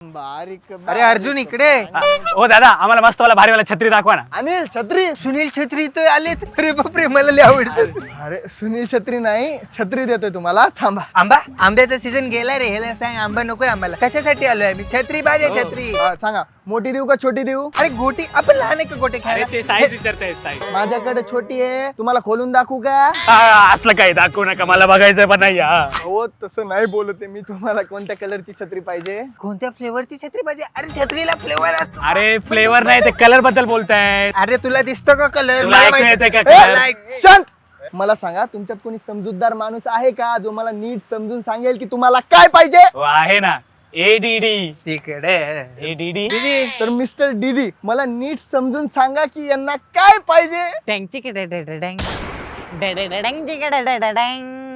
अरे अर्जुन इकडे. ओ दादा आम्हाला मस्त वाला भारीवाला छत्री दाखवा ना. अनिल छत्री. सुनील छत्री तर आलेच. अरे बापरे मला लय आवडतं. अरे सुनील छत्री नाही, छत्री देतोय तुम्हाला, थांबा. आंबा आंब्याचा सीझन गेला रे. ह्याला सांग आंबा नकोय आम्हाला. कशासाठी आलोय आम्ही? छत्री पाहिजे छत्री. सांगा मोठी देऊ का छोटी देऊ? अरे गोटी आपण लहान आहे का गोटे अरे खायला? ते साईज विचारताय साईज. माझ्याकडे छोटी आहे, तुम्हाला खोलून दाखवू का? असलं काही दाखवू नका, मला बघायचं पण नाही. हो तसं नाही बोलते मी. तुम्हाला कोणत्या कलरची छत्री पाहिजे? कोणत्या फ्लेवरची छत्री पाहिजे? अरे छत्रीला फ्लेवर असतो. अरे फ्लेवर नाही ते कलर बद्दल बोलताय. अरे तुला दिसतो का कलर? तुला ऐकू येतंय का color? शांत. मला सांगा तुमच्यात कोणी समजूतदार माणूस आहे का जो मला नीट समजून सांगेल की तुम्हाला काय पाहिजे? हो, आहे ना एडीडी. तिकडे एडीडी तर मिस्टर डीडी मला नीट समजून सांगा की यांना काय पाहिजे? टँगची डँग